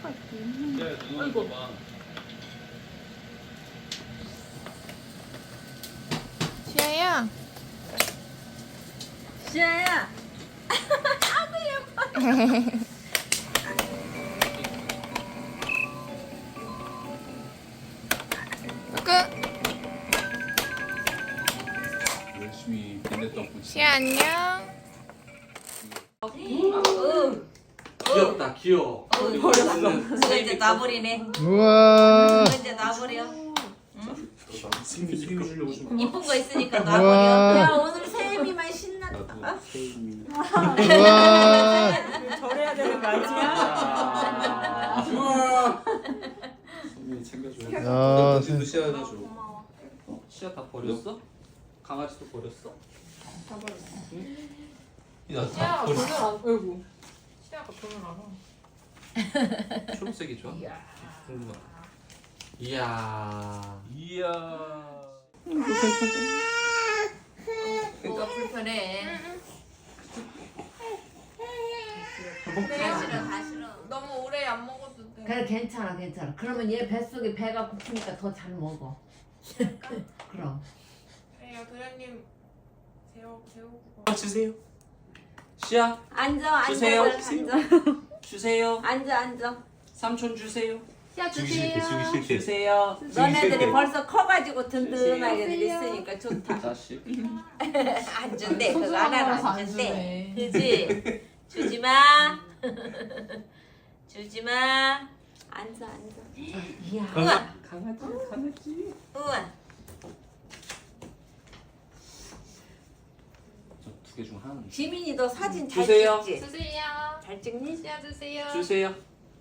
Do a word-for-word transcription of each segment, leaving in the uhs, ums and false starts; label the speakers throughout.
Speaker 1: 시야가 있고.
Speaker 2: 야,
Speaker 1: 아이고.
Speaker 2: 봐.
Speaker 1: 시야야.
Speaker 3: 시아야.
Speaker 1: 끝.
Speaker 2: 열심히 빈대떡 붙이.
Speaker 1: 시야 안녕.
Speaker 3: 응.
Speaker 4: 귀엽다 귀여워.
Speaker 3: 버렸어. 그거 이제 놔버리네.
Speaker 5: 우와.
Speaker 3: 그거 이제 놔버려.
Speaker 4: 스미 스미 주려고 좀.
Speaker 3: 이쁜 거 있으니까
Speaker 5: 우와.
Speaker 3: 놔버려. 야 오늘 세미만 신났다.
Speaker 4: 나도 세미.
Speaker 5: 우와.
Speaker 6: 절해야 되는 거 아니야?
Speaker 4: 우와. 스미 챙겨줘.
Speaker 5: 야,
Speaker 4: 너
Speaker 5: 세-
Speaker 4: 도 씨앗 줘.
Speaker 3: 고마워.
Speaker 4: 어? 씨앗 다 버렸어? 강아지도 버렸어?
Speaker 6: 다 버렸어.
Speaker 4: 야,
Speaker 6: 시아가
Speaker 4: 다
Speaker 6: 돈을
Speaker 4: 버렸어.
Speaker 6: 안, 어이구. 시아가 돈을 안 와.
Speaker 4: 초록색이 좋아? 궁금하다. 이야.
Speaker 2: 이야.
Speaker 3: 뭐가 불편해. 다 싫어 다 싫어.
Speaker 1: 너무 오래 안 먹어도 돼.
Speaker 7: 그래 괜찮아 괜찮아. 그러면 얘 뱃속에 배가 고프니까 더 잘 먹어. 그럼.
Speaker 1: 야 도련님 재워 재우고.
Speaker 4: 어, 주세요. 씨앗
Speaker 3: 앉아 앉아
Speaker 4: 주세요.
Speaker 3: 앉아
Speaker 4: 주세요.
Speaker 3: 앉아 앉아.
Speaker 4: 삼촌 주세요.
Speaker 7: 야
Speaker 4: 주기 싫대 주기 싫대. 주세요.
Speaker 3: 너네들이 벌써 커가지고 든든하게
Speaker 7: 주세요.
Speaker 3: 있으니까 좋다.
Speaker 4: 자식.
Speaker 3: 안 준대 그거 하나로 안 준대.
Speaker 1: 주네.
Speaker 3: 그지? 주지 마. 주지 마. 앉아 앉아.
Speaker 7: 이야.
Speaker 3: 우와
Speaker 4: 강아지 강아지.
Speaker 3: 우와.
Speaker 4: 저 두 개 중 하나.
Speaker 3: 지민이 너 사진 잘
Speaker 4: 주세요.
Speaker 3: 찍지?
Speaker 1: 주세요.
Speaker 3: 잘 찍니?
Speaker 1: 시야 주세요.
Speaker 4: 주세요.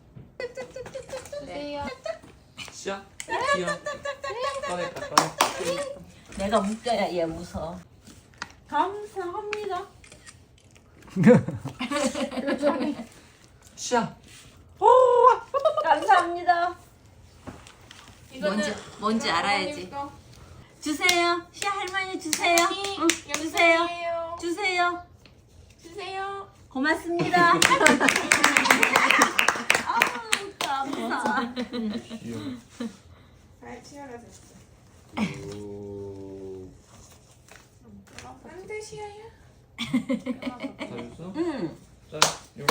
Speaker 1: 주세요.
Speaker 4: 씨앗. 씨앗. 꺼냈다 꺼냈다.
Speaker 3: 내가 웃겨야 얘 웃어. 감사합니다.
Speaker 4: 씨앗.
Speaker 3: 감사합니다.
Speaker 1: 이거는
Speaker 3: 뭔지 뭔지 알아야지. 주세요. 시 할머니 주세요. 응, 주세요.
Speaker 1: 주세요.
Speaker 3: 주세요.
Speaker 1: 주세요.
Speaker 3: 고맙습니다. 아우 감사.
Speaker 1: 잘 치열하 됐어.
Speaker 4: 오.
Speaker 1: 안돼 시야야.
Speaker 4: 다 줬어?
Speaker 3: 응.
Speaker 4: 자, 요.